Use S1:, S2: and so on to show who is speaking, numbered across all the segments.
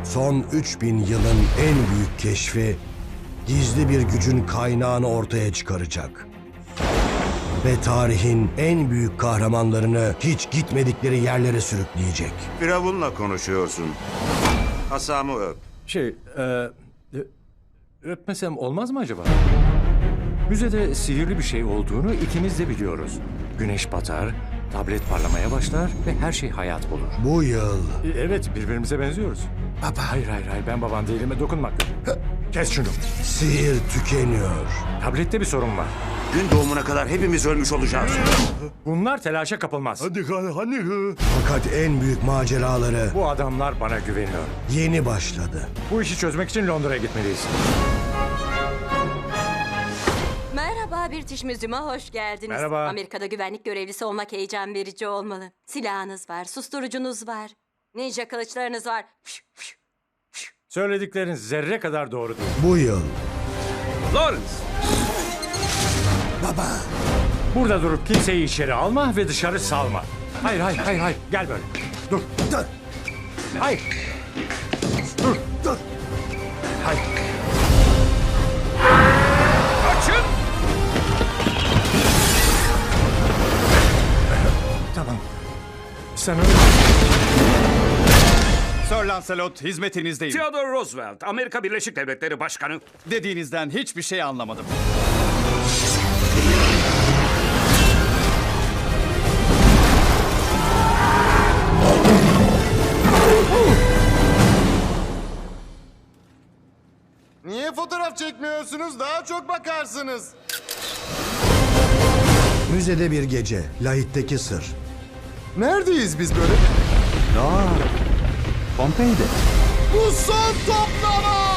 S1: Son 3000 yılın en büyük keşfi gizli bir gücün kaynağını ortaya çıkaracak. Ve tarihin en büyük kahramanlarını hiç gitmedikleri yerlere sürükleyecek.
S2: Firavun'la konuşuyorsun. Asamı öp.
S3: Öpmesem olmaz mı acaba? Müzede sihirli bir şey olduğunu ikimiz de biliyoruz. Güneş batar, tablet parlamaya başlar ve her şey hayat bulur.
S1: Bu yıl
S3: Evet, birbirimize benziyoruz. Baba. Hayır, hayır, ben baban değilim. Dokunmak. Kes şunu.
S1: sihir tükeniyor.
S3: Tablette bir sorun var.
S2: Gün doğumuna kadar hepimiz ölmüş olacağız.
S3: Bunlar telaşa kapılmaz.
S1: Fakat en büyük maceraları
S3: Bu adamlar bana güveniyor.
S1: yeni başladı.
S3: Bu işi çözmek için Londra'ya gitmeliyiz.
S4: Merhaba British Museum'a hoş geldiniz.
S3: Merhaba.
S4: Amerika'da güvenlik görevlisi olmak heyecan verici olmalı. Silahınız var, susturucunuz var, ninja kılıçlarınız var.
S3: Söyledikleriniz zerre kadar doğru değil.
S1: Bu yıl
S3: Lawrence! Baba! Burada durup kimseyi içeri alma ve dışarı salma. Hayır. Gel böyle. Dur. Hayır. Dur. Hayır. Kaçın! Tamam. Sen öyle...
S5: Sir Lancelot, hizmetinizdeyim.
S2: Theodore Roosevelt, Amerika Birleşik Devletleri Başkanı.
S5: Dediğinizden hiçbir şey anlamadım.
S6: Niye fotoğraf çekmiyorsunuz? Daha çok bakarsınız.
S1: müzede bir gece, Lahit'teki sır.
S6: Neredeyiz biz böyle?
S5: Pompei'de.
S6: Bu son toplama!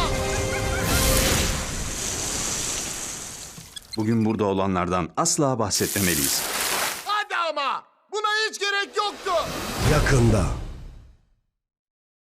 S2: Bugün burada olanlardan asla bahsetmemeliyiz.
S6: Hadi ama! Buna hiç gerek yoktu.
S1: Yakında